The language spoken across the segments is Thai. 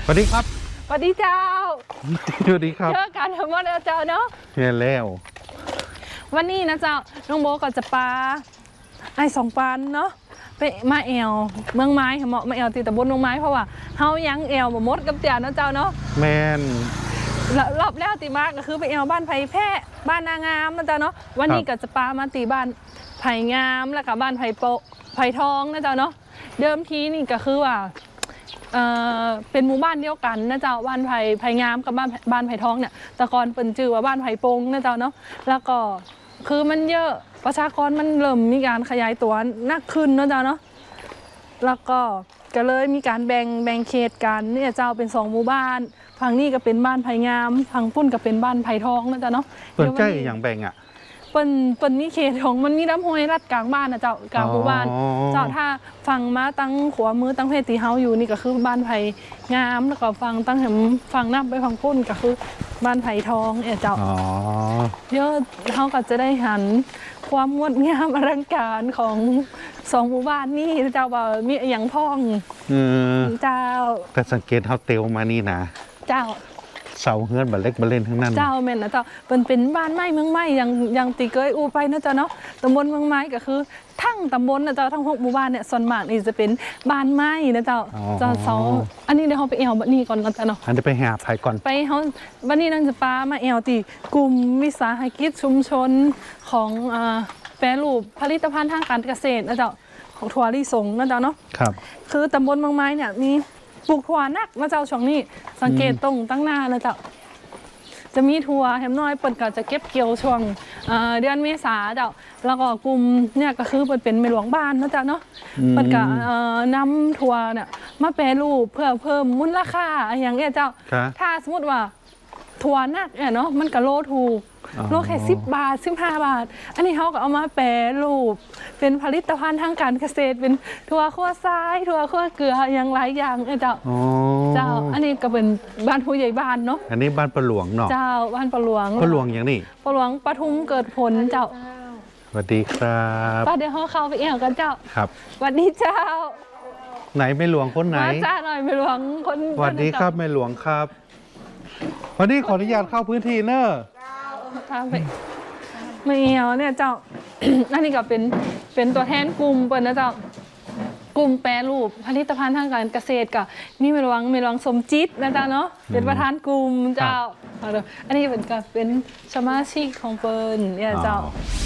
สวัสดีครับสวัสดีเจ้าสวัสดีครับเจอกันทั้งหมดแล้วเจ้าเนาะเฮียแล้ววันนี้นะเจ้าน้องโบก็จะปลาไอ้2 ปันเนาะไปมาแอวเมืองไม้เหมาะมาแอวตีตะบนเมืองไม้เพราะว่าเฮายังแอวบ่หมดกับเจ้าเนาะเจ้าเนาะแมนรอบแล้วตีมากก็คือไปแอวบ้านไผ่แพร่บ้านนางามนะเจ้าเนาะวันนี้ก็จะปลามาตีบ้านไผ่งามแล้วก็บ้านไผ่โปไผ่ทองนะเจ้าเนาะเดิมทีนี่ก็คือว่าเป็นหมู่บ้านเดียวกันนะเจ้าบ้านไผ่งามกับบ้านไผ่ทองเนี่ยแต่ก่อนเป็นชื่อว่าบ้านไผ่โปงนะเจ้าเนาะแล้วก็คือมันเยอะประชากรมันเริ่มมีการขยายตัวนักขึ้นนะเจ้าเนาะแล้วก็เลยมีการแบ่งเขตกันเนี่ยเจ้าเป็น2 หมู่บ้านฝั่งนี้ก็เป็นบ้านไผ่งามฝั่งพุ่นก็เป็นบ้านไผ่ทองนะเจ้าเนาะเปิดใจอย่างแบ่งอ่ะเปิ้นนี่เขตของมันมีน้ำห้วยลัดกลางบ้านนะเจ้ากลางหมู่บ้านเจ้าถ้าฝั่งมาตั้งขวามือตั้งเพศตีเฮาอยู่นี่ก็คือบ้านไผ่งามแล้วก็ตั้งแถมฝั่งน้ำไปฝั่งพุ่นก็คือบ้านไผ่ทองเจ้าเยอะเขาก็จะได้หันความงดงามอลังการของ2 หมู่บ้านนี่เจ้าว่ามีอย่างพ้องเจ้าแต่สังเกตเขาเตียวมานี่นะเจ้าเสาเฮือนบัลเล็กบัลเล่นทั้งนั้นเจ้าแม่นนะเจ้าเป็นบ้านไม้เมืองไม้ยังตีเกยอูไปนะเจ้าเนาะตำบลเมืองไม้ก็คือทั้งตำบลนะเจ้าทั้ง6 หมู่บ้านเนี่ยส่วนมากนี่จะเป็นบ้านไม้นะเจ้าเสาอันนี้เดี๋ยวเขาไปแอวบัดนี้ก่อนนะเจ้าเนาะอันนี้ไปหาไผ่ก่อนไปเขาบัดนี้นั่งจะปามาแอวตีกลุ่มวิสาหกิจชุมชนของแปรรูปผลิตภัณฑ์ทางการเกษตรนะเจ้าของถั่วลิสงนะเจ้าเนาะครับคือตำบลเมืองไม้เนี่ยมีปลูกถั่วนักนะเจ้าช่วงนี้สังเกตตรงตั้งหน้านะเจ้าจะมีถั่วแฮมน้อยเปิดก็จะเก็บเกี่ยวช่วงเดือนเมษาเจ้าแล้วก็กลุ่มเนี่ยก็คือเป็นแม่หลวงบ้านนะเจ้าเนาะเปิดก็นำถั่วเนี่ยมาแปรรูปเพื่อเพิ่มมูลค่าอย่างเงี้ยเจ้าถ้าสมมติว่าถั่วนักเนาะมันก็โลถูกโลแค่10 บาท15 บาทอันนี้เขาก็เอามาแปรรูปเป็นผลิตภัณฑ์ทางการเกษตรเป็นถั่วคั่วทรายถั่วคั่วเกลืออย่างหลายอย่างเจ้าอันนี้ก็เป็นบ้านผู้ใหญ่บ้านเนาะอันนี้บ้านปะหลวงเนาะเจ้าบ้านปะหลวงอย่างนี้ปะหลวงปทุมเกิดผลเจ้าสวัสดีครับป้าเดี๋ยวเขาเข้าไปเอี่ยวกันเจ้าครับสวัสดีเจ้าไหนไม่หลวงคนไหนมาจ้าหน่อยไม่หลวงคนสวัสดีครับไม่หลวงครับวันนี้ขออนุญาตเข้าพื้นที่เนอะทางไปไม่เอี่ยวเนี่ยเจ้า อันนี้ก็เป็นตัวแทนกลุ่มเปิดนะเจ้ากลุ่มแปรรูปผลิตภัณฑ์ทางการเกษตรกับนี่ไม่หลวงสมจิตนะเจ้าเนาะเป็นประธานกลุ่มเจ้าอันนี้เป็นสมาชิกของเปิร์นเนี่ยเจ้า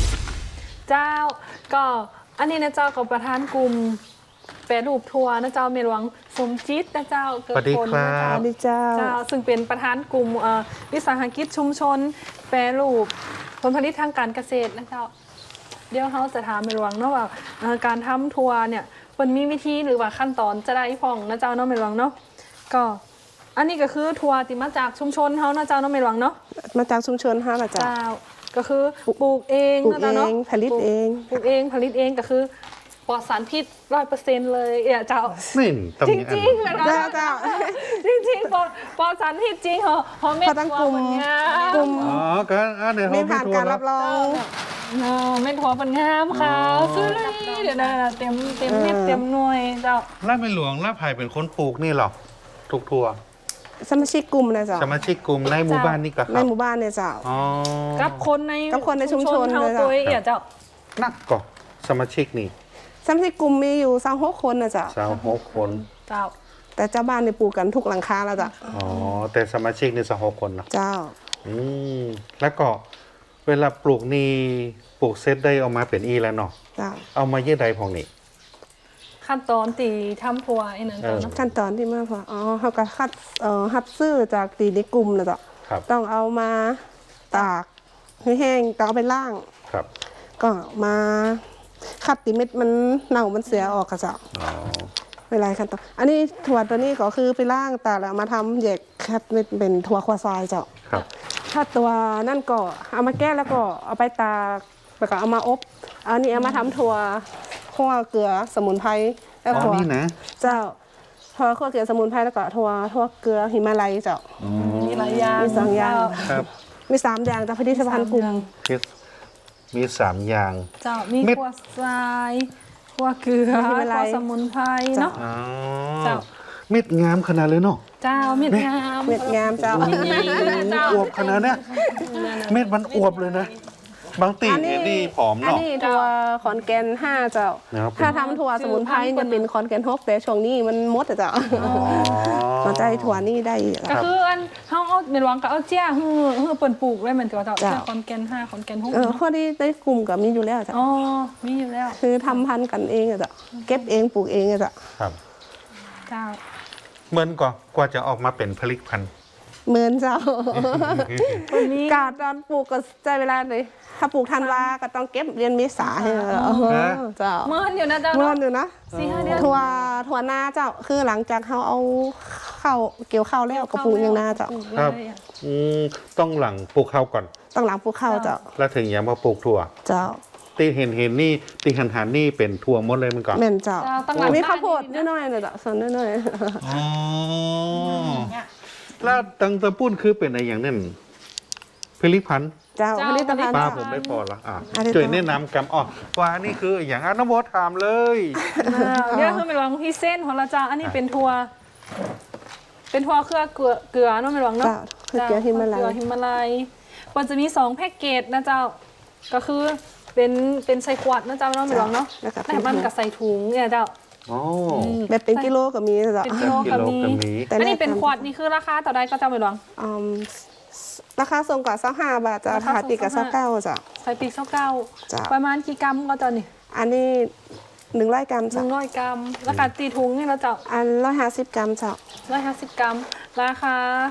ก็อันนี้นะเจ้ากับประธานกลุ่มแปรรูปทัวร์นะเจ้าเมหลวงสมจิตนะเจ้าเกิดผลนะเจ้าซึ่งเป็นประธานกลุ่มวิสาหกิจชุมชนแปรรูปผลผลิตทางการเกษตรนะเจ้าเดี๋ยวเขาจะถามเมหลวงเนาะว่าการทำทัวร์เนี่ยมันมีวิธีหรือว่าขั้นตอนจะได้พ่องนะเจ้าเนาะเมหลวงเนาะก็อันนี้ก็คือทัวร์ที่มาจากชุมชนเขานะเจ้าเนาะเมหลวงเนาะมาจากชุมชนฮะนะเจ้าก็คือปลูกเองนะเจ้าเนาะผลิตเองปลูกเองผลิตเองก็คือปลอดสารพิษ100%เลยเจ้านี่จริงๆเหรอเจ้าจริงๆปลอดสารพิษจริงเหรอเม็ดถั่วปัญญากลุ่มก็เดี๋ยวเขาผ่านการรับรองเม็ดถั่วปัญญาค่ะซื้อเลยเดี๋ยวนะเต็มเม็ดเต็มหน่วยเจ้าล่าไม่หลวงล่าไผ่เป็นคนปลูกนี่หรอทุกทัวสมาชิกกลุ่มนะเจ้าสมาชิกกลุ่มในหมู่บ้านนี่ก็ในหมู่บ้านเนี่ยเจ้ากับคนในชุมชนเท่าตัวเจ้านักก่อสมาชิกนี่สมาชิกกลุ่มมีอยู่26 คนนะเจ้า 26 คนเจ้าแต่เจ้าบ้านเนี่ยปลูกกันทุกหลังคาแล้วจ้ะแต่สมาชิกนี่26 คนเนาะเจ้าแล้วก็เวลาปลูกนี่ปลูกเซตได้ออกมาเป็นอีแล้วเนาะเอามาเยอะใดพองนี่ขั้นตอนตีทำทัวร์ไอ้นั่นขั้นตอนที่มาพอเขาก็คัดหัดซื้อจากตีในกลุ่มนะจ๊ะต้องเอามาตากให้แห้งต้องเอาไปล่างครับก็มาคัดตีเม็ดมันเน่ามันเสียออกกระเจ้าเวลาขั้นตอนอันนี้ถั่วตัวนี้ก็คือไปล่างแต่แล้วมาทำแยกคัดเป็นถั่วควาซายเจ้าถ้าตัวนั่นก็เอามาแก้แล้วก็เอาไปตากแล้วก็เอามาอบอันนี้เอามาทำถั่วคั่วเกลือสมุนไพรแล้วถั่วเจ้าถั่วคั่วเกลือสมุนไพรแล้วก็ถั่วเกลือหิมาลัยเจ้ามีหลายอย่างมี2 อย่างมี3 อย่างแต่ผลิตภัณฑ์กลุ่มมี3 อย่างเจ้ามีคั่วทรายคั่วเกลือคั่วสมุนไพรเนาะเจ้าเม็ดงามขนาดเลยเนาะเจ้าเม็ดงามเม็ดงามเจ้าเจ้าอวบขนาดเนี้ยเม็ดมันอวบเลยนะ บางตีนี่ผอมอันเนาะนี้ถั่วขอนแก่น5เจ้านะครับถ้าทำถั่วสมุนไพรจะเป็นขอนแก่น6แต่ช่วงนี้มันหมดอะเจ้าอ๋อสนใจถั่วนี่ได้อีกก็อะคืออันเฮาเอาเม็ดหวังก็เอาเจี้ยฮือเปิ้นปลูกไว้เหมือนกับเจ้าจ้ะเจ้าคอนแกน5คอนแกน6 พอดีในกลุ่มกับมีอยู่แล้วเจ้าอ๋อมีอยู่แล้วคือทำพันธุ์กันเองอะเจ้าเก็บเองปลูกเองอะเจ้าครับเจ้าเหมือนกว่าจะออกมาเป็นผลิตภัณฑ์เหมือนเจ้าคนนี้กาดตอนปลูกก็ใจเวลาเลยถ้าปลูกธันวาก็ต้องเก็บเดือนเมษาให้เจ้าเมื่อนอยู่นะเจ้าเมื่อเนาะนอยู่นะ 4-5 เดือนถั่วนาเจ้าคือหลังจากเขาเอาเข้าวเกี่ยวข้าวแล้วก็ปลูกอย่างนาเจ้าครับ อืมต้องหลังปลูกข้าวก่อนต้องหลังปลูกข้าวเจ้าแล้วถึงยังมาปลูกถั่วเจ้าตีเห็นนี่ตีหันนี่เป็นถั่วหมดเลยมันก่อนแม่นเจ้าเจ้าต้องหลังมีข้าวโพดบ้านน้อยๆเลยเจ้าส่วนน้อยอ๋อแล้วตังตะปุ้นคือเป็นอะไรอย่างนั้นผลิตภัณฑ์ๆเจ้าผลิตภัณฑ์ป้าเจ้าผมไม่พอละอันนี้ช่วยแนะนำกำอ๋อว่านี่คืออย่างน้ำโบถามเลยเดี๋ยวคือเม็ดหวังพี่เส้นของเราเจ้าอันนี้เป็นทัวเครือเกลือเนาะเม็ดหวังเนาะเจ้าคือเกลือหิมาลัยเกลือหิมาลัยมันจะมี2แพ็กเกจนะเจ้าก็คือเป็นใส่ขวดนะเจ้าเนาะเม็ดหวังเนาะแล้วก็แต่มันกับใส่ถุงเนี่ยเจ้าอ๋อแบบเป็นกิโลก็มีเจ้าเป็นกิโลกิก็โลมีก็มีแต่อันนี้แรกเป็นขวดนี่คือราคาต่อใดก็เจ้าเม็ดหวังอืมราคาส่งกว่า25 บาทจ้าราคาส่งถาติกับ 25 29จ้าใส่ปีกเก้าจ้ะประมาณกี่กรัมก็เจ้านี่อันนี้100 กรัมจ้า 100 กรัมราคาตีถุงนี่เราเจ้าอัน150 กรัมจ้า 150 กรัมราคา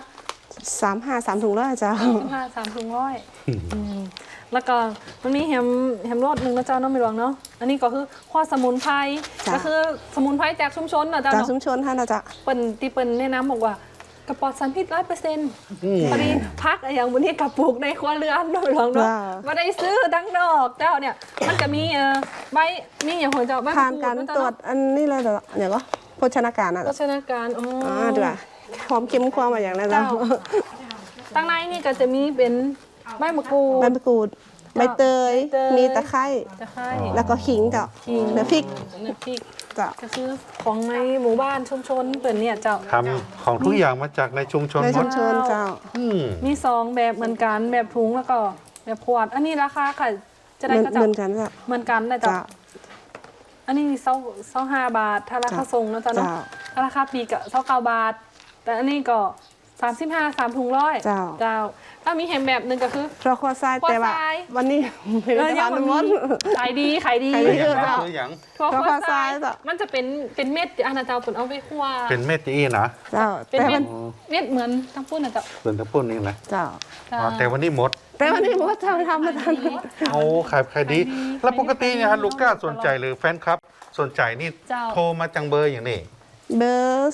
3 ถุงร้อยจ้า 3 ถุงร้อยแล้วก็มันมีแฮมรสหนึ่งนะเจ้าเน้องไม่หลวงเนาะอันนี้ก็คือข้อสมุนไพรจ้ะก็คือสมุนไพรจากชุมชนนะเจ้าจากเนาะชุมชนท่านนะจ้าเปิ้นแนะนำบอกว่ากระปอดสารพิษ100%พอดีพักอย่างวันนี้กับปลูกในครัวเรือนเนาะไม่หลวงเนาะมาได้ซื้อดังนอกเจ้าเนี่ยมันจะมีใบมีอย่างของเจ้าใบผ่านมะการรูดนะตรเจ้าวจอันนี้เลยเด้ออย่างก็โภชนาการอ่ะโภชนาการอ๋อดูอ่ะหอมเค็มความมาอย่างนั้นจ้าเจ้า ตั้งในนี่ก็จะมีเป็นใบมะกรูใบดมะกรูดใบเตยใบเตยมีตะไคร้จะให้แล้วก็ขิงจ้าขิงเนื้อพริกน้ำพริกจ้าก็คือของในหมู่บ้านชุมชนเปิดเนี่ยเจ้าทำของทุกอย่างมาจากในชุมชนในหมชุดมชนเจ้าอืมมี2แบบเหมือนกันแบบถุงแล้วก็แบบขวด อันนี้ราคาค่ะจะเหได้มือนก็เหเจ้ามือนกันจ้าเหมือนกันนะจ้าเจ้าอันนี้25 บาทถ้าราคาจ้ะส่งนะเจ้าเนาะจ้ะถ้าราคาปลีกก็29 บาท แต่อันนี้ก็35 3ถุงร้อยเจ้าเจ้าถ้ามีแฮมแบบหนึงก็คือเพราะข้อทรายแต่ว่าข้อทรายวันนี้ไม่ได้ทานน้ำมันขายดีขายดีขายดีอย่างเจ้าคืออย่างทั่วข้อข้อททราราย ยเจ้ามันจะเป็นเม็ดอันนั้นเจ้าผลเอาไปคั่วเป็นเม็ดจะอี้นะเจ้าเป็นแต่เม็วัดนเม็ดเหมือนทั้งปุ้นนะเจ้าส่วนตะปุ้นนี่นะเจ้าจ้าอ๋อแต่วันนี้หมดแต่วันนี้ผมก็ทำมาทันโอ้ขายดี แล้วปกติเนี่ยฮะลูก้าสนใจหรือแฟนคลับสนใจนี่เจ้าโทรมาจังเบอร์อย่างนี้เบอร์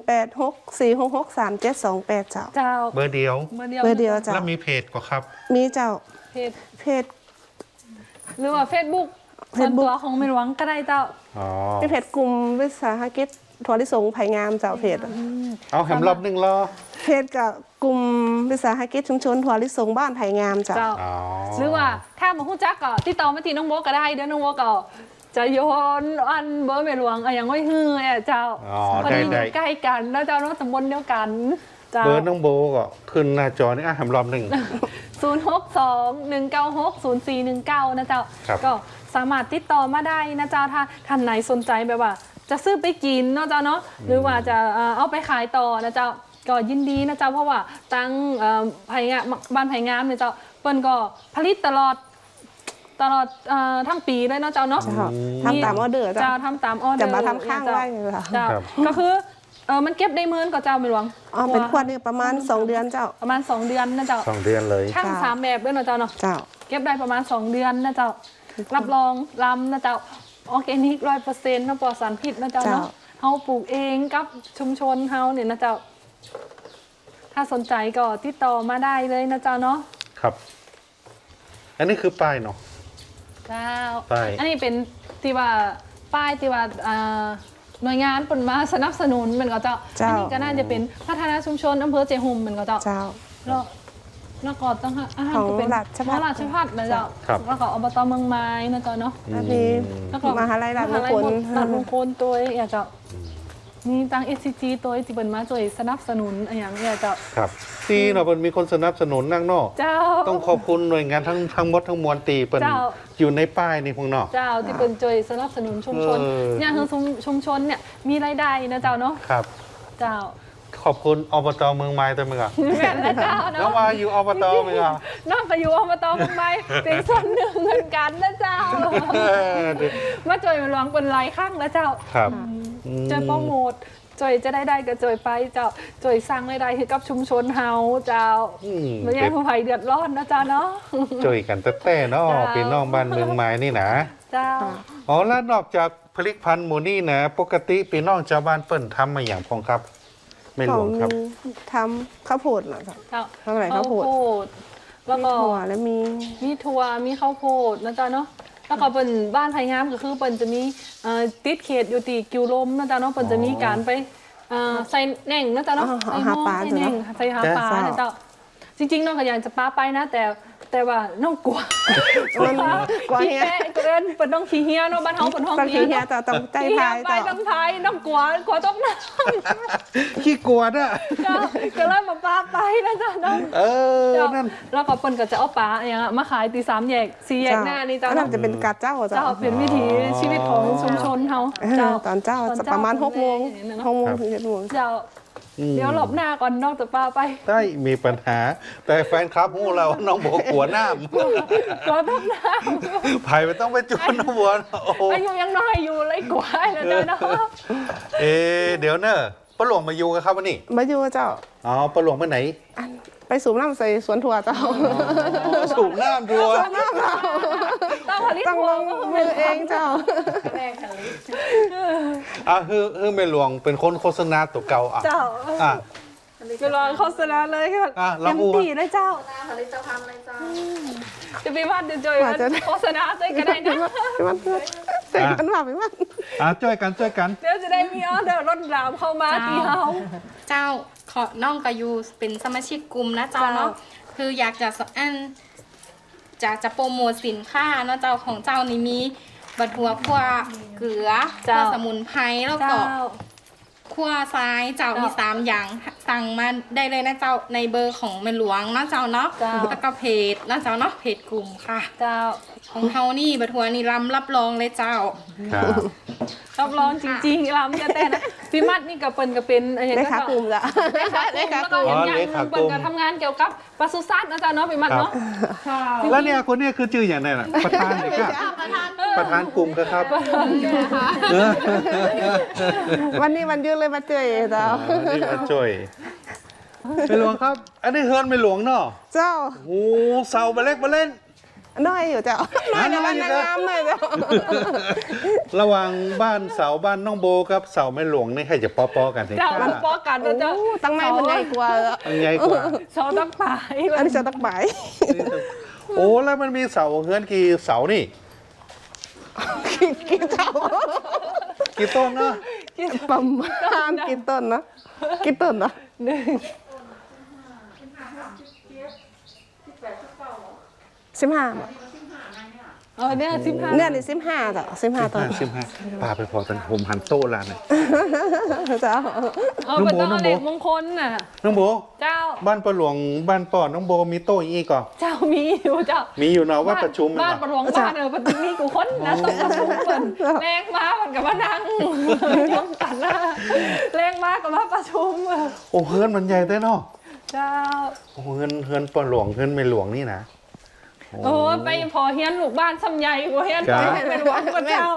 0864663728เจ้าเจ้าเบอร์เดียวเบอร์เดียวเบอร์เดียวเจ้าแล้วมีเพจก็ครับมีเจ้าเพจเพจหรือว่า Facebook ส่วน Facebook ตัวของเมหลวงก็ได้เจ้าอ๋อเป็นเพจกลุ่มวิสาหกิจถั่วลิสงไผ่งามเจ้าเพจเอาแหมรอบนึงรอเพจกับกลุ่มวิสาหกิจชุมชนถั่วลิสงบ้านไผ่งามเจ้าเจ้าอ๋อหรือว่าถ้ามาฮู้จักก็ติดต่อมาที่น้องโบก็ได้เดี๋ยวน้องโบก็จะโยนอันเบอร์เมหลวงอย่างไว้ฮือเนี่ยเจ้าอ๋อพอได้ดีอได้ยู่ใกล้กันแล้วเจ้าเนาะตำบลเดียวกันเจ้าเบอร์น้องโบก็ขึ้นหน้าจอนี่แหมรอบหนึ่ง 062-196-0419นะเจ้าครับก็สามารถติดต่อมาได้นะเจ้าถ้าท่านไหนสนใจแบบว่า จะซื้อไปกินเนาะเจ้าเนาะหรือว่าจะเอาไปขายต่อนะเจ้าก็ยินดีนะเจ้าเพราะว่าตั้งไผ่งามบ้านไผ่งามเนี่ยเจ้าเปิ้นก็ผลิตตลอดทั้งปีเลยเนาะเจ้าเนาะเจ้าทำตามออเดอร์เจ้าเจ้าทำตามออเดอร์จะมาทำข้างไว้เหรอเจ้าครับก็คือมันเก็บได้เมินก็เจ้าไม่หลวงอ๋อเป็นขวดนี่ประมาณ2 เดือนเจ้าประมาณ2 เดือนนะเจ้า 2 เดือนเลยช่างจ้า 3 แบบด้วยนะเจ้าเนาะเจ้าเก็บได้ประมาณ2 เดือนนะเจ้ารับรองลำนะเจ้าออร์แกนิก100%นะปลอดสารพิษนะเจ้าเนาะเฮาปลูกเองกับชุมชนเฮาเนี่ยนะเจ้าถ้าสนใจก็ติดต่อมาได้เลยนะเจ้าเนาะครับ อันนี้คือป้ายเนาะเจ้าป้ายอันนี้เป็นที่ว่าป้ายที่ว่าหน่วยงานเปิดมาสนับสนุนเหมือนกับเจ้าเจ้าอันนี้ก็น่าจะเป็นพัฒนาชุมชนอำเภอเจหุมเหมือนกับเจ้าเจ้าแล้วก็ต้องอาหารของก็เป็นราชภัฏราชพัฒนะเจ้าครับแล้วก็อบตเมืองไม้นะเจ้าเนาะอันนี้แล้วก็มหาลัยราชมงคลราชมงคลตัวอย่างเจ้ามีตัง SCG ตัวที่เป็นมาช่วยสนับสนุนอย่างเนี้ยเจ้าครับที่เนาะมันมีคนสนับสนุนนั่งเนอกเจ้าต้องขอบคุณหน่วยงานทั้งหมดทั้งมวลตีเป็นเจ้าอยู่ในป้ายนี่พวกเนอกเจ้าที่เป็นช่วยสนับสนุนชุมชน เนี่ยคือชุมชนเนี่ยมีรายได้นะเจ้าเนาะครับเจ้าขอบคุณอบตเมืองไม้ตัวมึงอ่ะแม่นแล้วเจ้าแล้วเนาะมาอยู่อบตมึงอ่ะนอกจากอยู่อบตทำไมเป็นส่วนหนึ่งเหมือนกันนะเจ้า มาจอยมาลองเป็นหลายครั้งแล้วเจ้าครับจอยโปรโมทจอยจะได้ก็จอยไปเจ้าจอยสร้างรายได้ให้กับชุมชนเฮาเจ้าอืมไม่ให้ผู้ภัยเดือดร้อนนะเจ้าเนาะช่วยกันแต่เนาะเจ้าพี่น้องบ้านเมืองไม้นี่นะเจ้าอ๋อแล้วนอกจากผลิตภัณฑ์หมูนี่นะปกติพี่น้องชาวบ้านเปิ้นทำมาอย่างพองครับ ไม่หลวงครับทำข้าวโพดเหรอครับเจ้าทำอะไรข้าวโพดดแล้วมีก็ถั่วแล้วมีมีถั่วมีข้าวโพดนะจ๊ะเนาะแล้วก็เป็นบ้านไผ่งามก็คือเป็นจะมีติดเขตอยู่ตีกิวลมนะจ๊ะเนาะเป็นจะมีการไปใส่แหน่งนะจ๊ะเนาะใส่หม้อใส่แหน่งใส่หาปลานะจ๊ะจริงๆน้องก็อยากจะปลาไปนะแต่ว่าน้องกลัวมันกลัวขี้เฮียแกะเกินเป็นน้องขี้เฮียเนาะบ้านเฮาเป็นห้องต้องเฮีขี้ยเฮียเนาะต่อต้องใจขี้เฮีพาย ยไปต่อต้องพายน้องกลัวต้องน้ขี้กลัวน่ะำจ้ะก็เลยมาปลาไปนะจ๊ะเนาะเออเจ้านั่นแล้วก็เปิ้นก็จะเอาปลาอย่างเงี้ยมาขายตี3 แยก 4 แยกหน้านี่เจ้าอันนั้นจะเป็นกาดเจ้าเจ้าเป็นวิถีชีวิตของชุมชนเขาตอนเจ้าจะประมาณ6 โมง 6 โมงถึง7 โมงเจ้าเดี๋ยวหลบหน้าก่อนนอกจากปลาไปได้มีปัญหา แต่แฟนคลับหูเราน้องโบกลัวหน้าก่อนทำหน้าไผ่ไม่ต้องไปจวนน้องบัวโอ้โหอายุยังน้อยอยู่เลยกว่านะเจ้าเนาะเดี๋ยวเนอะป้าหลวงมาอยู่กันครับวันนี้มาอยู่เจ้าอ๋อป้าหลวงไปไหนไปสูบน้ำใส่สวนถั่วเจ้าสูบน้ำทัวร์ต้องผลิตต้องลงมือเองเจ้าแรกผลิตคือแม่หลวงเป็นคนโฆษณาตัวเก่าอ่ะเจ้าอ่ะไปรอโฆษณาเลยค่ะลองเต็มอู้ที่เลยเจ้าผลิตภัณฑ์อะไรจ้าจะไปวัดเดี๋ยวจอยโฆษณาใจกันได้นะไปมันเพื่อนเสร็จกันว่าไปมันช่วยกันเดี๋ยวจะได้มีออเดอร์รถรามเข้ามาที่เฮาเจ้าขอน้องกายูเป็นสมาชิกกลุ่มนะเจ้าเนาะคืออยากจะจะโปรโมทสินค้าเนาะเจ้าของเจ้านี่มีบัตรหัวคั่วเกลือคั่วสมุนไพรแล้วก็เจ้าคั่วซ้ายเจ้ามี3 อย่างสั่งมาได้เลยนะเจ้าในเบอร์ของแม่หลวงนะเจ้าเนาะเจ้าแล้วก็เพจนะเจ้าเนาะเพจกลุ่มค่ะเจ้าของเฮานี่บัตรหัวนี่รับรองเลยเจ้าครับรับรองจริงๆลำจะแต่นะพี่มัดนี่กับเปิ้นก็เป็นอะไรได้ขากลุ่มจ้ะได้ขากลุ่มแล้วก็อย่างอย่างหนึงเปิ้นก็ทำงานเกี่ยวกับปศุสัตว์นะจ๊ะเนาะพี่มัดเนาะค่ะแล้วเนี่ยคนเนี้คือชื่ออย่างไรน่ะประธานเลยครับประธานกลุ่มก็ครับวันนี้วันหยืดเลยมาเจอเจ้านี่มาช่วยไม่หลวงครับ อันนี้เฮือนไม่หลวงเนาะเจ้าโอ้เสาไปเล็กมาเล่นน้อยอยู่เจ้าน้อยในบ้านนางงามหน่อยเจ้าระหว่างบ้านเสาบ้านน้องโบกับเสาแม่หลวงนี่ใครจะป้อๆกันสิเจ้ามันป้อกันนะเจ้าตั้งในมันใหญ่กว่าอันใหญ่กว่าเสาตั้งปลายอันนี้จะตักใบโอ้แล้วมันมีเสาเฮือนกี่เสานี่กี่เจ้ากี่ต้นเนาะประมาณกี่ต้นนะกี่ต้นนะหนึ่ง 15 เนี่ย15 เนี่ยนี่15เจ้า15ต้น 15ปาไปพอตันผมหันโต๊ะลานเลยเจ้าเอาเป็นต้นเด็กมงคลน่ะน้องโบเจ้าบ้านประหลวงบ้านปอน้องโบมีโต๊ะอีกก่อนเจ้ามีอยู่เจ้ามีอยู่เนาะว่าประชุมบ้านประหลวงบ้านประตูมีกูคนนะต้องประชุมเปิ่นแรงมามันกับมานั่งยกกันนะแรงมากับมาประชุมโอ้เฮือนมันใหญ่ได้เนาะเจ้าโอ้เฮือนประหลวงเฮือนไม่หลวงนี่นะโอ้ไปพอเฮียนลูกบ้านซ้ำใหญ่กว่าเฮียนครัไปบเป็นหวังกับเจ้า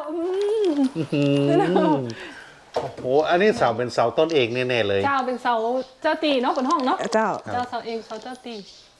โอ้โหอันนี้เสาเป็นเสาต้นเอกแน่ๆเลยเจ้าเป็นเสาเจ้าตีเนาะเป็นห้องเนาะเจ้าเจ้าเสาเองเสาเจ้าตี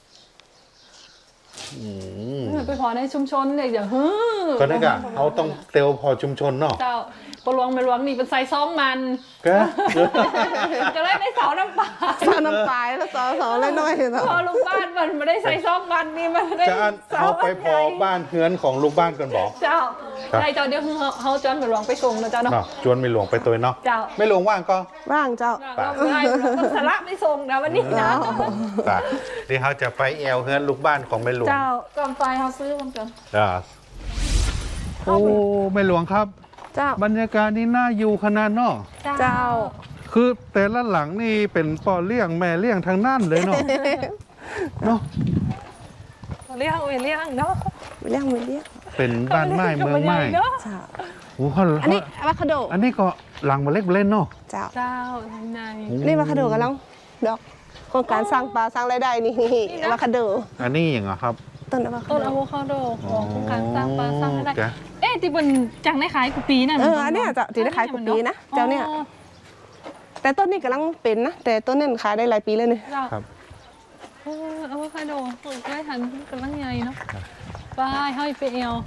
อืมไปพอในชุมชนเลยอย่าฮึ่ก็นั่นกะเขาต้องเตียวพอชุมชนเนาะเจ้าปลวงไม่หลวงนี่เป็นไซซ้อมมันก็ก็เลยได้เสาน้ำปลาเสาน้ำปลายแล้วเสาน้อยๆเนาะพอลูกบ้านมันไม่ได้ใส่ซ้อมมันนี่มันได้จะอันเอาไปพอบ้านเฮือนของลูกบ้านกันบอกเจ้าครับได้เจ้าเดี๋ยวเขาจอนไปหลวงไปส่งนะเจ้าเนาะเนาะจวนไม่หลวงไปตัวเนาะเจ้าไม่หลวงว่างก็ว่างเจ้าเราไม่ได้เราสาระไม่ส่งนะวันนี้นะตาเดี๋ยวเขาจะไปแอวเฮือนลูกบ้านของไม่หลวงเจ้าก่อนไฟเขาซื้อมันก่อนอ่าโอ้ไม่หลวงครับเจ้าบรรยากาศนี่น่าอยู่ขนาดเนาะเจ้าคือแต่ละหลังนี่เป็นป่อเลี้ยงแม่เลี้ยงทางนั่นเลยเนาะ เนาะเลี้ยงเลี้ยงเนาะเรียกมือเรียกเป็นบ้านไม้เมืองไม้เนาะเจ้าโอ้โหอันนี้อะวาคาโดอันนี้ก็หลังมาเล็กเล่นเนาะเจ้าเจ้าในนี่อะวาคาโดกันแล้วดอกโครงการสร้างปลาสร้างรายได้นี่อะวาคาโดอันนี้อย่างเหรอครับต้นอะวาคาต้นโดอะโวคาโดของโครงการสร้างปลาสร้างได้จ้ะเอ๊ะที่บนจังได้ขายกุปีน่ะอันเนี้ยเจ้าที่ได้ขายกุปีนะเจ้าเนี่ย แต่ต้นนี้กำลังเป็นนะแต่ต้นนี้ขายได้หลายปีเลยเนี่ยเจ้าครับอะโวคาโดปลูกได้ทันกำลังใหญ่เนาะไปห้อยไปเอว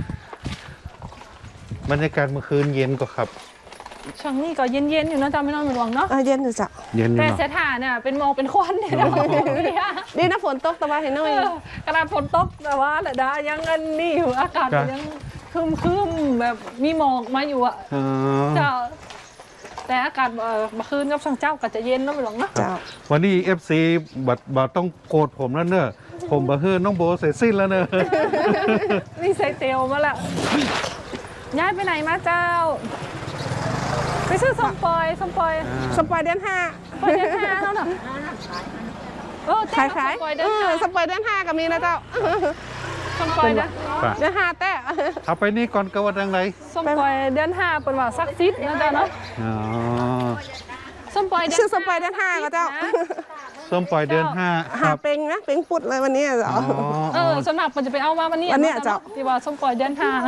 บรรยากาศเมื่อคืนเย็นก็ครับช่วงนี้ก็เย็นๆอยู่เนาะจำไม่นอนไม่หลวงเนาะเย็นอยู่เจ้าเย็นอยู่แต่เนาะเสถาเนี่ยเป็นหมอกเป็นควันเนี่ยนะดีนะฝนตกแต่ว่าเห็นหน่อยกระดาษฝนตกแต่ว่าแหละดายังอันนี้อยู่อากาศยังคึมๆแบบมีหมอกมาอยู่อะอ๋อเจ้าแต่อากาศเมื่อคืนกับช่างเจ้าก็จะเย็นเนาะไม่หลวงเนาะเจ้าวันนี้ FC บัดต้องโกรธผมแล้วเนอะผมบะเฮือน้องโบเสร็จสิ้นแล้วเนอะนี่ใส่เตียวมาละย้ายไปไหนมาเจ้า ไปซื้อส้มปล่อยส้มปล่อยสปอยเดือนห้าปล่อยเดือนห้าแล้วเนาะเต้ขายส้มปล่อยเดือนห้าสปอยเดือนห้าก็มีนะเจ้าส้มปล่อยเดือนไปเดือนห้าแต่เอาไปนี่ก่อนกระวัดดังไรส้มปล่อยเดือนห้าเป็นว่าซักซิดนะเจ้าเนาะอ๋อส้มปล่อยเดือนชื่อสปอยเดือนห้าก็เจ้าส้มปล่อยเดือนห้าคหารับเป็งนะเป็งปุดเลยวันนี้เจ้าอ๋อสำหรับมันจะไปเอามาวันนี้วันเนี้ยเจ้าที่ว่าส้มปล่อยเดือนห้า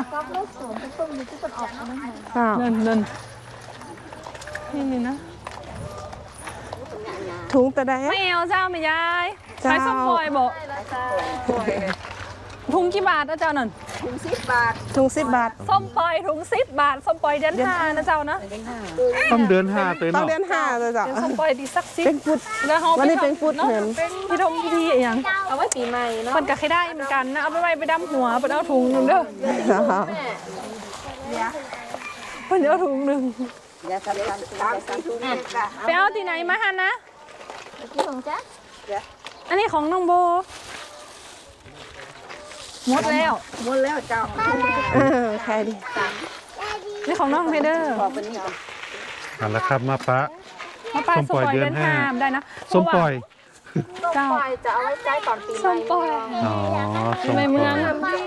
เจ้าเดินนี่นะถุงแต่ใดไม่เอาเจ้าไม่ยายเจ้าใช้ส้มปล่อยบอกถุงกี่บาทนะเจ้านั่นถุง10 บาทส้มปล่อยถุง10 บาทส้มปล่อยเดือนห้านะเจ้านะต้องเดือนห้าเตยต้องเนาะเดือนห้าเลยเจ้าเดี๋ยวส้มปล่อยดีสักซิเป็งปุดแล้วเขาวันนี้เป็นฟุตเนาะเห็นพี่ทงพี่ดีอย่างเอาไว้ปีใหม่เนาะมันก็ให้ได้เหมือนกันนะเอาไปไว้ไปดำหัวไปเอาถุงหนึ่งเด้อไปเอาถุงหนึ่งไปเอาที่ไหนมาฮันนะอันนี้ของน้องโบหมดแล้วใครดีนี่ของน้องเพเดอร์เอาละครับมาปะมาป้าส้ส้มมปล่อยปล่อยเดืเดืออน นห้าห้าได้นะส้มปล่อยเจ้าจะเอาไว้ใช้ตอนปีใหม่ส้มปล่อยอ๋อส้มในปเมืล่ออง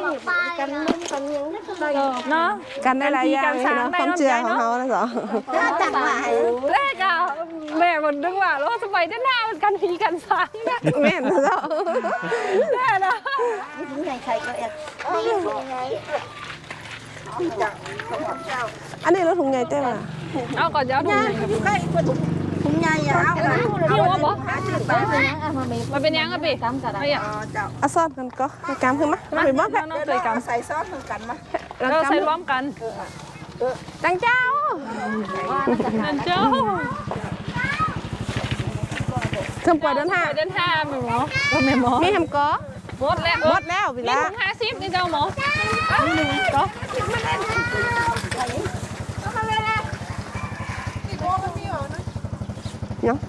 ยเนาะกันได้หลายอย่างกันช้างเนาะได้ความเชื่อของเขานะเจ้าแรกอะแม่มันนึกว่าแล้วสมัยด้านหน้ามันกันผีกันช้างนะแม่นนะเจ้าแน่นะอันนี้รถถุงใหญ่เต้ว่ะเอาก่อนจะเอาถุงไหนครับพี่ว่าบอกมันเป็นยังอะพี่ไอ้อะเอาซอสกันก็กำขึ้นมามาไปบ้างน้องเคยกำใส่ซอสเหมือนกันมาเราใส่ร่วมกันจังเจ้าเจ้าสมปล่อยเดือนห้าเดินห้าแม่หมอแม่หมอมีแฮมก็หมดแล้วหมดแล้วพี่มีละถุง50นี่เจ้าหมอก็เนาะ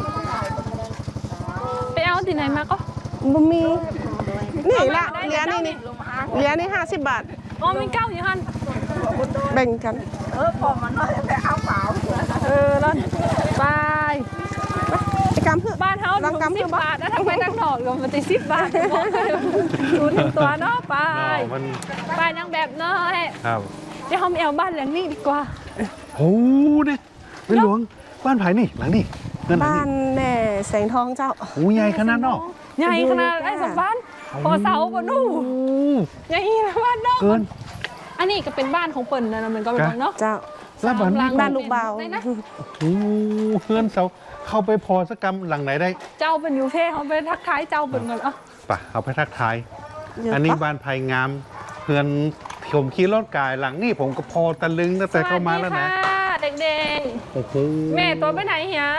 ไปเอาที่ไหนมาก็บ่มีนี่ละเหรียญนี่เหรียญนี่50 บาทอ๋อมีเก้าอยู่หันแบ่งกันพอมันน้อยแต่เอาเปล่าแล้วไปไปกำเพื่อบ้านเฮาลองถุงกำ 10 เพื่อบาทนะถ้าไปตั้งถอดก็มันจะ10 บาทดูหนึ่งตัวเนาะไปมันบ้านยังแบบน้อยครับเดี๋ยวเราไปเอาบ้านหลังนี้ดีกว่าโอ้เนี่ยเป็นหลวงบ้านไผ่นี่หลังนี่เงินหลังบ้านี่นแม่แสงทองเจ้าโอ้ใหญ่ขนาดเนาะใหญ่ขนาดไอ้สมบ้านพอเสาบนนู่โอ้ใหญ่นะบ้านนอกเกินอันนี้ก็เป็นบ้านของเปิ่นนะมันก็เป็นเนาะเจ้าแล้วบ้านหลังบ้านลูกเบาได้นะโอ้เพื่อนเสาเข้าไปพอสักกรรมหลังไหนได้เจ้าเป็นอยู่เท่เขาไปทักทายเจ้าเปิ่นก่อนเอ่ะปะเอาไปทักทายเดี๋ยวอันนี้ปะบ้านไผ่งามเพื่อนผมขี่รถกายหลังนี่ผมก็พอตะลึงตั้งแต่เข้ามาแล้วนะสวัสดีค่ะเด็กโอ้โหๆ แม่ตัวไปไหนเหีย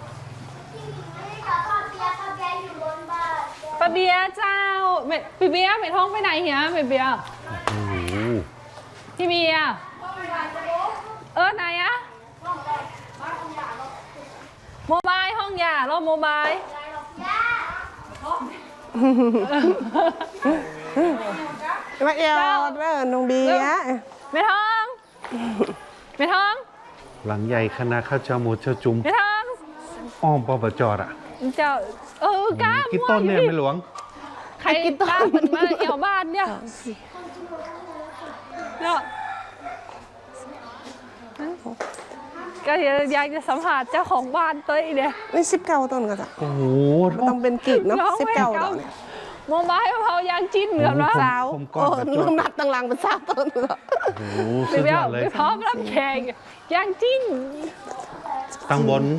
ป้าเบียร์เจ้าแม่พี่เบียร์แม่ท้องไปไหนเหียแม่เบียร์โอ้โหพี่เบียร์ไหนอะโมบายห้องยารอบโมบายมาเอวเด้อน้องเบียร์แม่ท้องไม่ท้องหลังใหญ่คณะข้าวเจ้าหมูเจ้าจุ่มไม่ท้องอ้อมปปจอ่ะเจ้ากล้ากี่ต้นเนี่ยไม่หลวงใครกล้าเหมือนมาเอวบ้านเนี่ยเนาะก็อยากจะสัมผัสเจ้าของบ้านตัวเองเนี่ยนี่19ต้นก็จ้ะโอ้โหต้องเป็นกีบเนาะร้องไม่ 19 เก่าดอกเนี่ยโมบายเผายังจิ้นเหมือนว่าสาวผมก้โอ้อนกระจน้ำหกนักตั้งหลังเป็น3ต้นเลยโอ้โหไปสุดเบี้ยยอวดเลยไปพร้อมรับแขกยังจิ้นตั้งบน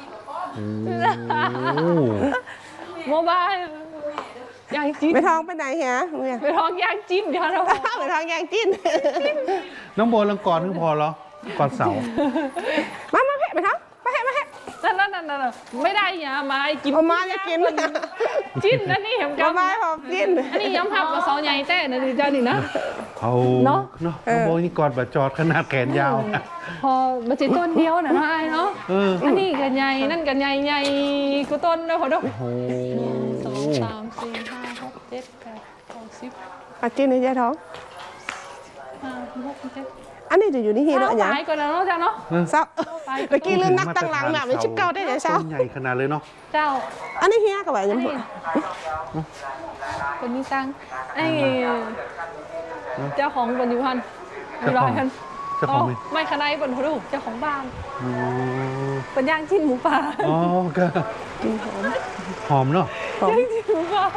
โอ้โมบายยังจิ้นไม่ท้องไปไหนเฮียเมียไปท้องยังจิ้นเดี๋ยวเราไปท้องแยงจิ้นน้องโบลังกรก็พอแล้วก่อนเสามาแพะไปท้องมาแพะนั่นไม่ได้อย่ามากินเอามาจะกินจิ้นนะนี่เห็นเอากันมาพอกินอันนี้ย้ำภาพกับเสาใหญ่แต่นะดิจ้านี่นะเอาเนอะเนาะน้องโบนี่กอดบะจอดขนาดแขนยาวพอมาจิต้นเดียวนะไอ้เนาะเอออันนี้กันใหญ่นั่นกันใหญ่กูต้นด้วยพอดูโอ้โห 1 2 3 4 5 6 7 8 9 10 อาจิ้นในใจท้อง 5 6 7 อันนี้จะอยู่ที่เฮียเช้าแล้วอย่างสายก่อนนะเนาะจ้าเนาะเศร้าเมื่อกี้ลืมนักตั้งหลังน่ะเป็น19ได้แต่เช้าต้นใหญ่ขนาดเลยเนาะเจ้าอันนี้เฮียกับว่ายังนี่คนมีตังไอ้เจ้าของบนอยู่พันมีร้อยพันเจ้าของไหมไม่ขนาดบนพอดูเจ้าของบ้านอ๋อเป็นย่างจิ้นหมูป่าอ๋อก็หอมเนาะย่างจิ้นหมูป่า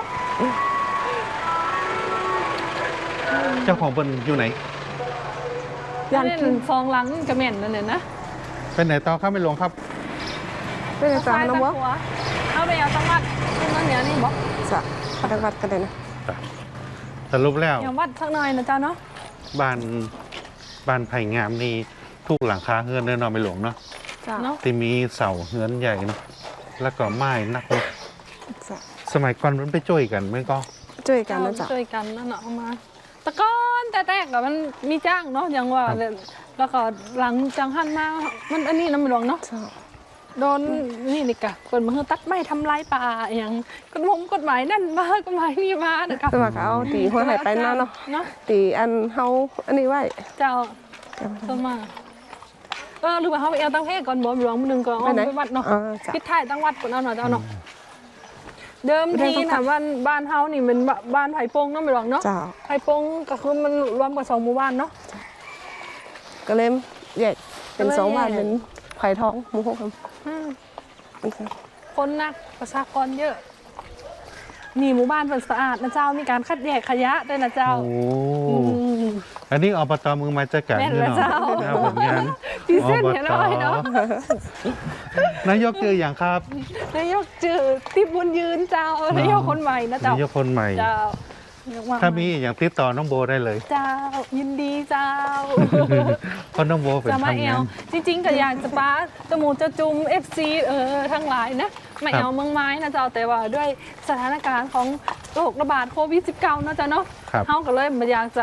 เจ้าของเป็นอยู่ไหนย่างจิ้นฟองหลังกระเหม็นนั่นเนี่ยนะเป็นไหนต่อครับไม่หลวงครับไม่ได้จ้าน้องวะเอาไปเอาตังวัดขึ้นนั่นเนี่ยนี่บอกจ้ะพนักวัดกันเลยนะสรุปแล้วอย่าวัดสักหน่อยนะเจ้าเนาะบ้านไผ่งามนี่ทุกหลังคาเฮือนเดินนอนไม่หลวงเนาะจ้ะเนาะที่มีเสาเฮือนใหญ่เนาะแล้วก็ไม้นักเนาะจ้ะสมัยก่อนมันไปช่วยกันไหมก็ช่วยกันนะจ๊ะช่วยกันนั่นเนาะเอามาตะก้อนแต่แรกอะมันมีจ้างเนาะอย่างว่าแล้วก็หลังจังหันมามันอันนี้น้ำหลวงเนาะจ้ะโดนนี่นี่กะเปิดมือตัดไม้ทำลายป่าอย่างกฎหมายนั่นมากฎหมายนี่มานะคะสมัครเอาตีหัวไหไปนั่นเนาะเนาะตีอันเฮาอันนี้ไว้เจ้าสมาหรือว่าเขาไปเอาตั้งเพศก่อนบ่หลวงหนึ่งก่อนเอาไปวัดเนาะอ๋อจ้ะคิดถ่ายตั้งวัดก่อนเอาหน่อยเจ้าเนาะเดิมทีน่ะบ้านเฮานี่เป็นบ้านไผ่ปงเนาะไม่หลวงเนาะจ้ะไผ่ปงก็คือมันรวมกับ2 หมู่บ้านเนาะก็เลยแยกเป็นก็เลย 2 บ้านแยกเป็นไผ่ทองหมู่6ครับอืมคนนักประชากรเยอะนี่หมู่บ้านเป็นสะอาดนะเจ้ามีการคัดแยกขยะด้วยนะเจ้าโอ้อืมอันนี้อบตมือมาจัดการแม่นนี่แล้วเนาะเจ้าครับผมงานพี่เส้นเห็นอะไรเนาะนายกเจออย่างครับนายกจือที่บุญยืนเจ้านายกคนใหม่นะเจ้านายกคนใหม่เจ้าเรียกว่ถ้ามีอย่างติดต่อน้องโบได้เลยเจ้ายินดีเจ้าเพราะน้องโบเป็นจะมาทำแองานวจริงๆก็อยากจะป้าจมูกจะจุม FC ทั้งหลายนะมาแอวเมืองไม้นะเจ้าแต่ว่าด้วยสถานการณ์ของโรคระบาดโควิด -19 นะเจ้าเนาะครับเขาก็เลยมาอยากจะ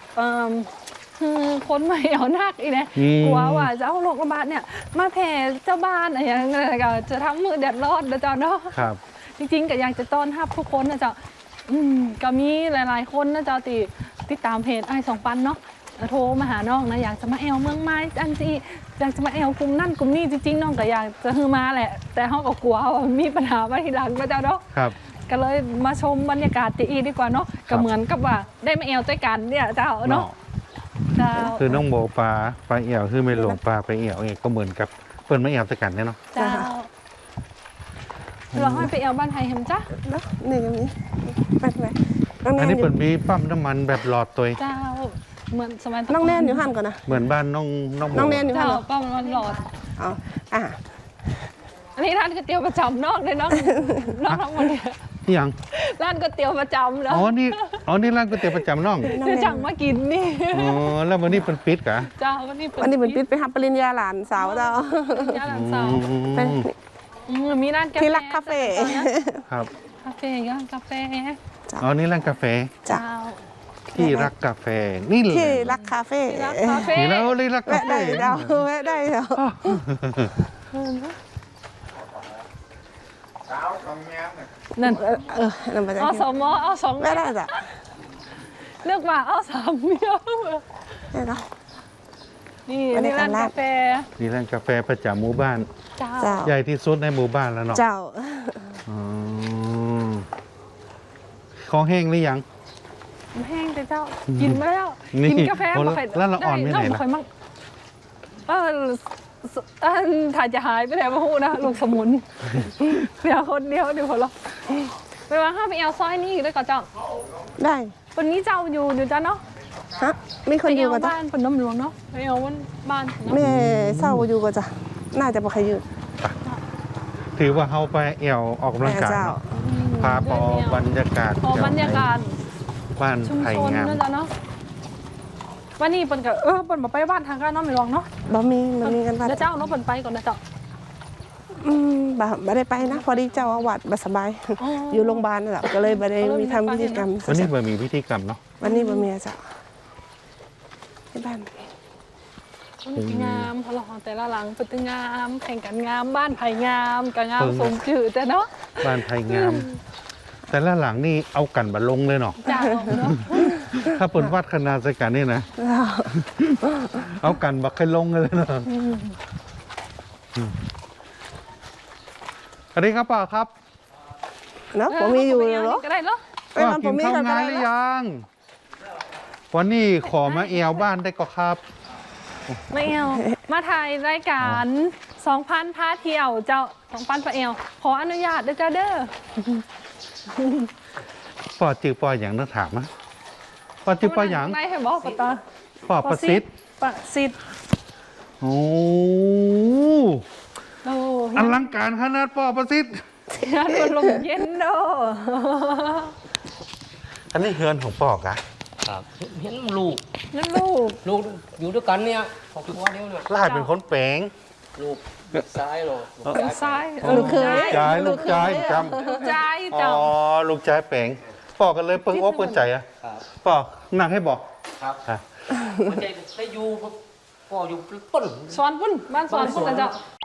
คนมาแอวนักอีกนะอืมกลัวว่าจะเอาโรคระบาดเนี่ยมาแผ่เจ้าบ้านอะไรอย่างเงี้ยก็จะทำมือแดดร้อนนะเจ้าเนาะครับจริงๆก็อยากจะต้อนรับทุกคนนะเจ้าก็มีหลายๆคนนะเจ้าติดตามเพจไอ้สองปันเนาะโทรมาหาน้องนะอยากจะมาแอวเมืองไม้อันที่อยากจะมาแอวกลุ่มนั่นกลุ่มนี้จริงๆน้องก็อยากจะฮือมาแหละ แต่เขาก็กลัวว่ามีปัญหามาทีหลังนะเจ้าเนาะครับก็เลยมาชมบรรยากาศตีดีกว่าเนาะก็เหมือนกับว่าได้มาแอวด้วยกันเนี่ยเจ้าเนาะเจ้าคือน้องโบปลาเอี่ยวคือไม่หลวงปลาไปเอี่ยวเองก็เหมือนกับเปิ้นมาเอี่ยวสกันเนี่ยเนาะเจ้าเราให้ไปแอวบ้านไทยเห็นจ้ะเนาะนี่ก็มีไปไหนน้องแนอันนนี้อยู่เปิดมีปั๊มน้ำมันแบบหลอดตัวเจ้าเหมือนสมัยน้องแนนอยู่หันก่อนนะเหมือนบ้านน้องโบน้องแนนอยู่หัเจ้านเหรอก็มันหลอดอ๋ออ่ะอันนี้ร้านก๋วยเตี๋ยวประจำนอกเลยเนาะนอกทั้งหมดเนี่ยนี่ยังร้านก๋วยเตี๋ยวประจำแล้วอ๋อนี่ร้านก๋วยเตี๋ยวประจำน้องเดี๋ยวจังมากินนี่อ๋อแล้ววันนี้เป็นปิดกะเจ้าวันนี้วันนี้เป็นปิดไปทำปริญญาหลานสาวเจ้าย่าหลังสาวไปมีร้านกาแฟที่รักคาเฟ่ครับคาเฟ่ย่านกาแฟอ๋อนี่ร้านกาแฟจ้ะเจ้าที่รักกาแฟนี่เลยที่รักคาเฟ่ที่รักคาเฟ่นี่แล้วนี่รักกาแวะแฟได้เจ้าแวะได้เจ้านั่นนั่นมาจากเอาที่สองหม้อเอาสองแวะได้จ้ะเลือกว่าเอาสามเมียวได้เนาะนี่ไม่ได้นี่ร้านทำลาบกาแฟนี่ร้านกาแฟประจำหมู่บ้านเจ้าเจ้าใหญ่ที่สุดในหมู่บ้านแล้วเนาะเจ้าอ๋อของแห้งหรือยังแห้งแต่เจ้า กินมาแล้วนี่กินกาแฟโอ้บ่ค่อยแล้วละอ่อนไม่ไหนด้ล่ะบ่ค่อยมั่งถ่ายจะหายไปไหนมาพูดนะ ลูกสมุนเดี๋ยวคนเดียวเดี๋ยวคนละไปว่าห้าไปเอาซอยนี่ด้วยก่อนเจ้าได้วันนี้เจ้าอยู่จ้าเนาะฮะมีคนไปอยู่เอาก็จ้ะบ้านพนมหลวงเนาะไปเอาบ้านเนาะแม่เศร้าอยู่ก็จ้ะน่าจะบ่ใครอยู่ถือว่าเฮาไปแอวออกกำลังกายเจ้าเนาะพาปอบรรยากาศพอบรรยากาศบ้านชุมไผ่ชนงามนะจ๊ะเนาะวันนี้เปิ่นกับเปิ่นมาไปบ้านทางการเนาะไม่หลวงเนาะบ่มีมันมีกันว่าแล้วเจ้าเนาะเปิ่นไปก่อนนะเจ้าบ่ได้ไปนะ พอดีเจ้าอาวัดบ่สบายอ๋อออยู่โรงพยาบาลนั่นแหละก็เลยบ่ได้มีทำพิธีกรรมวันนี้มันมีพิธีกรรมเนาะวันนี้บ่มีอะจ้ะที่บ้านงามพอหลองแต่ละหลังเป็นตึงงามแข่งกันงามบ้านไผ่งามกับงามสมจืดแต่เนาะบ้านไผ่งาม แต่ละหลังนี่เอากันบัลลงเลยเนาะเจ้าเนาะถ้าเปิดวัดขนาดสกันนี่นะ เอากันบักให้ลงเลยเนาะสวัสดีครับป้าครับเนาะบ่มีอยู่เหรอก็ได้เนาะไปนอนกิบ่นมีข้าวก็งานได้หรือนะยัง วันนี้ขอมาแอวบ้านได้ก็ครับไม่เอามาถ่ายรายการ2,000พาเที่ยวเจ้า2,000ปะเอวขออนุญาตด้วยจ้าเด้อป้อจือป้ออย่างต้องถามนะป้อจือป้ออย่างนายให้บอกปะตาป้อประสิทธิ์ประสิทธิ์โอ้โอ้อลังการขนาดป้อประสิทธิ์งานมันลมเย็นเด้ออันนี้เฮือนของป้อกะครับเห็นลูกนั่นลูกลูกอยู่ด้วยกันเนี่ยครอบครัวเดียวเนี่ยลาดเป็นคนแปลงลูกซ้ายหรอลูกลูกซ้ายลูกเคยจายลูกจายจลูกใจำอ๋เจ้าอลูกจายแปลงป้อกันเลยเปิ้งโอ้เปิ้งใจอะครับป้อนั่งให้บอกครับอ่ะมันจะได้อยู่ก็อยู่ป้นสอนพุ่นบ้านสอนพุ่นนะเจ้า